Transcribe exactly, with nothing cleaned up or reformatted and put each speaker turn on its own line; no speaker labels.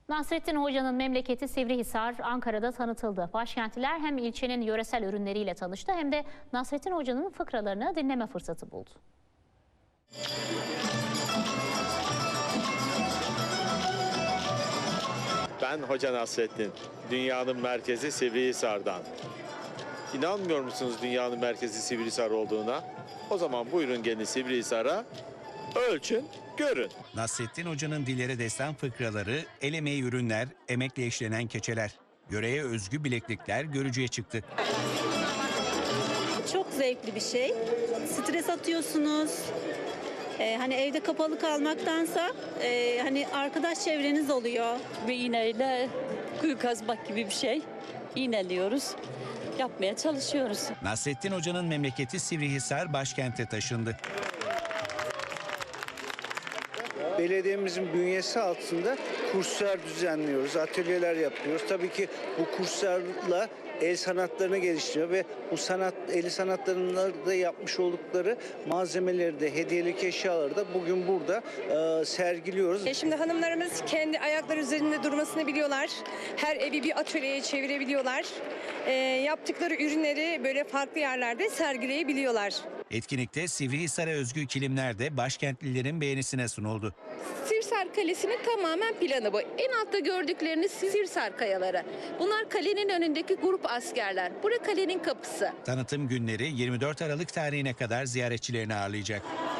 Nasrettin Hoca'nın memleketi Sivrihisar, Ankara'da tanıtıldı. Başkentliler hem ilçenin yöresel ürünleriyle tanıştı hem de Nasrettin Hoca'nın fıkralarını dinleme fırsatı buldu.
Ben Hoca Nasrettin, dünyanın merkezi Sivrihisar'dan. İnanmıyor musunuz dünyanın merkezi Sivrihisar olduğuna? O zaman buyurun gelin Sivrihisar'a, ölçün, görün.
Nasrettin Hoca'nın dillere destan fıkraları, el emeği ürünler, emekle işlenen keçeler. Yöreye özgü bileklikler görücüye çıktı.
Çok zevkli bir şey. Stres atıyorsunuz. Ee, hani evde kapalı kalmaktansa e, hani arkadaş çevreniz oluyor.
Bir iğneyle kuyu kazmak gibi bir şey. İğneliyoruz. Yapmaya çalışıyoruz.
Nasrettin Hoca'nın memleketi Sivrihisar başkente taşındı.
Belediyemizin bünyesi altında kurslar düzenliyoruz, atölyeler yapıyoruz. Tabii ki bu kurslarla el sanatlarını geliştiriyor ve bu sanat, el sanatlarında da yapmış oldukları malzemeleri de, hediyelik eşyaları da bugün burada e, sergiliyoruz.
E şimdi hanımlarımız kendi ayakları üzerinde durmasını biliyorlar. Her evi bir atölyeye çevirebiliyorlar. E, yaptıkları ürünleri böyle farklı yerlerde sergileyebiliyorlar.
Etkinlikte Sivrihisar'a özgü kilimler de başkentlilerin beğenisine sunuldu.
Sirsar Kalesi'nin tamamen planı bu. En altta gördükleriniz Sirsar kayaları. Bunlar kalenin önündeki grup askerler. Burası kalenin kapısı.
Tanıtım günleri yirmi dört Aralık tarihine kadar ziyaretçilerini ağırlayacak.